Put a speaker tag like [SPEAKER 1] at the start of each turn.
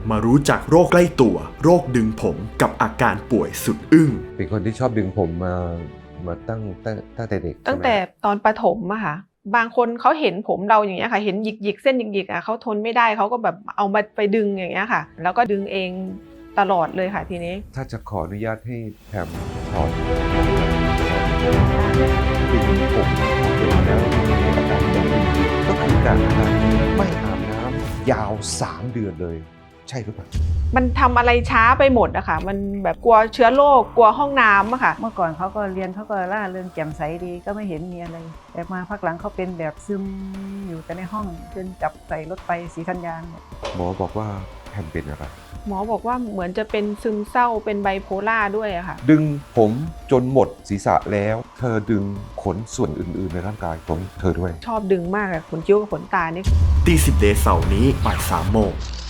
[SPEAKER 1] มารู้จักโรคใกล้ตัวโรคดึงผมกับอาการป่วยสุดอึ้ง
[SPEAKER 2] เป็นคนที่ชอบดึงผมมาตั้งแต่เด็ก
[SPEAKER 3] ตั้งแต่ตอนประถมอะค่ะบางคนเขาเห็นผมเราอย่างเงี้ยค่ะเห็นหยิกเส้นหยิกเขาทนไม่ได้เขาก็แบบเอามาไปดึงอย่างเงี้ยค่ะแล้วก็ดึงเองตลอดเลยค่ะทีนี้
[SPEAKER 2] ถ้าจะขออนุญาตให้แพมถอนดึงผมแล้วมีอาการอย่างนี้ก็คือการไม่อาบน้ำยาว3 เดือนเลยใช่หรือเปล่า
[SPEAKER 3] มันทำอะไรช้าไปหมดอะค่ะมันแบบกลัวเชื้อโรคกลัวห้องน้ำอะค่ะ
[SPEAKER 4] เมื่อก่อนเขาก็เรียนเขาก็ร่าเริงแจ่มใสดีก็ไม่เห็นมีอะไรแต่มาพักหลังเขาเป็นแบบซึมอยู่แต่ในห้องจนจับใส่รถไปศรีธัญญาเนี่ย
[SPEAKER 2] หมอบอกว่าแพมเป็นอะไร
[SPEAKER 3] หมอบอกว่าเหมือนจะเป็นซึมเศร้าเป็นไบโพล่าด้วยอะค่ะ
[SPEAKER 2] ดึงผมจนหมดศีรษะแล้วเธอดึงขนส่วนอื่นๆในร่างกายของเธอด้วย
[SPEAKER 3] ชอบดึงมากอะขนคิ้วกับขนตานี่
[SPEAKER 1] ตี10 เดย์เสาร์นี้บ่าย3 โมง